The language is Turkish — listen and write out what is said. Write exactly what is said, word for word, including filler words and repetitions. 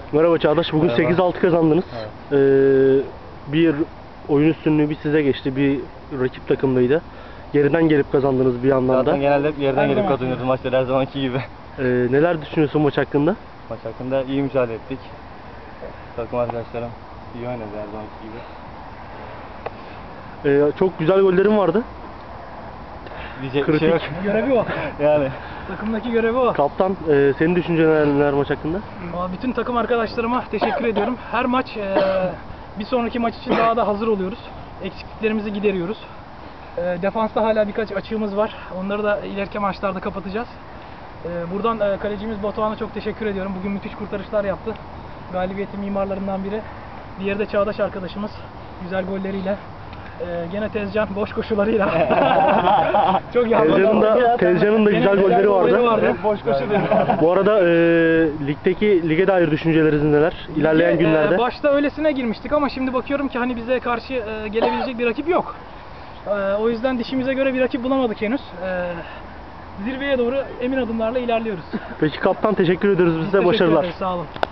Merhaba Çağdaş, bugün Merhaba. sekiz altı kazandınız. Evet. Ee, bir oyun üstünlüğü bir size geçti, bir rakip takımdaydı. Geriden gelip kazandınız bir yandan da. Zaten genelde hep yerden Her gelip zaman. kazanıyoruz maçları her zamanki gibi. Ee, neler düşünüyorsun maç hakkında? Maç hakkında iyi mücadele ettik. Takım arkadaşlarım iyi oynadı her zamanki gibi. Ee, çok güzel gollerin vardı. Diyecek bir şey yok. Kritik. Görevi o. Yani Takımdaki görevi o. Kaptan, e, senin düşüncelerin neler maç hakkında? Ama bütün takım arkadaşlarıma teşekkür ediyorum. Her maç e, bir sonraki maç için daha da hazır oluyoruz. Eksikliklerimizi gideriyoruz. E, defansta hala birkaç açığımız var. Onları da ileriki maçlarda kapatacağız. E, buradan e, kalecimiz Batuhan'a çok teşekkür ediyorum. Bugün müthiş kurtarışlar yaptı. Galibiyetin mimarlarından biri. Diğeri de Çağdaş arkadaşımız. Güzel golleriyle. Ee, gene Tezcan boş koşularıyla. Çok yandı. Tezcan'ın da, Tezcan'ın da Gene güzel golleri vardı. Hep boş koşu diyor. Bu arada e, ligdeki lige dair düşünceleriniz neler? İlerleyen Ee, günlerde. Başta öylesine girmiştik ama şimdi bakıyorum ki hani bize karşı e, gelebilecek bir rakip yok. Ee, o yüzden dişimize göre bir rakip bulamadık henüz. Ee, zirveye doğru emin adımlarla ilerliyoruz. Peki kaptan, teşekkür ediyoruz, Biz size teşekkür başarılar. ederiz, sağ olun.